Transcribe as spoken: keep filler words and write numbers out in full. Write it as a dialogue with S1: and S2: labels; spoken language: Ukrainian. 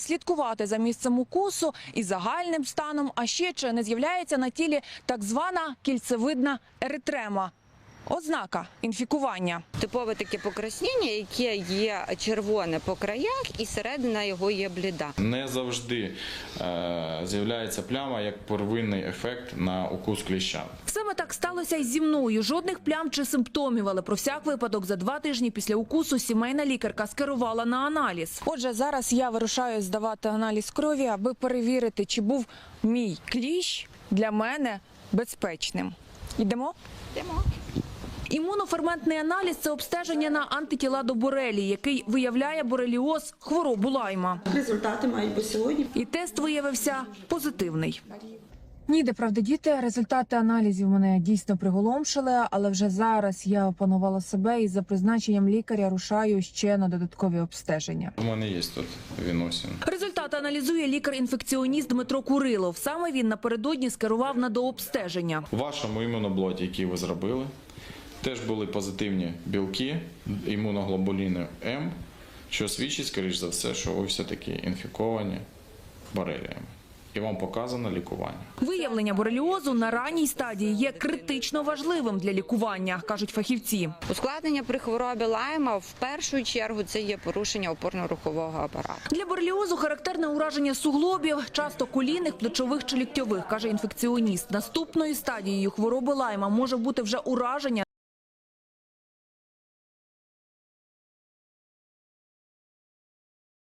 S1: Слідкувати за місцем укусу і загальним станом, а ще чи не з'являється на тілі так звана кільцевидна еритрема – ознака інфікування.
S2: Типове таке покраснення, яке є червоне по краях і середина його є бліда.
S3: Не завжди е, з'являється пляма як первинний ефект на укус кліща.
S1: Саме так сталося і зі мною. Жодних плям чи симптомів, але про всяк випадок за два тижні після укусу сімейна лікарка скерувала на аналіз. Отже, зараз я вирушаю здавати аналіз крові, аби перевірити, чи був мій кліщ для мене безпечним. Йдемо?
S2: Йдемо.
S1: Імуноферментний аналіз – це обстеження на антитіла до борелії, який виявляє бореліоз – хворобу Лайма.
S4: Результати мають бути сьогодні.
S1: І тест виявився позитивний. Ніде, правда, діти, результати аналізів мене дійсно приголомшили, але вже зараз я опанувала себе і за призначенням лікаря рушаю ще на додаткові обстеження.
S3: У мене є тут віносин.
S1: Результати аналізує лікар-інфекціоніст Дмитро Курилов. Саме він напередодні скерував на дообстеження.
S3: У вашому імуноблоті, який ви зробили, теж були позитивні білки, імуноглобуліни М, що свідчить, скоріш за все, що ви все-таки інфіковані бореліями. І вам показано лікування.
S1: Виявлення бореліозу на ранній стадії є критично важливим для лікування, кажуть фахівці.
S2: Ускладнення при хворобі Лайма в першу чергу це є порушення опорно-рухового апарату.
S1: Для бореліозу характерне ураження суглобів, часто колінних, плечових чи ліктьових, каже інфекціоніст. Наступною стадією хвороби Лайма може бути вже ураження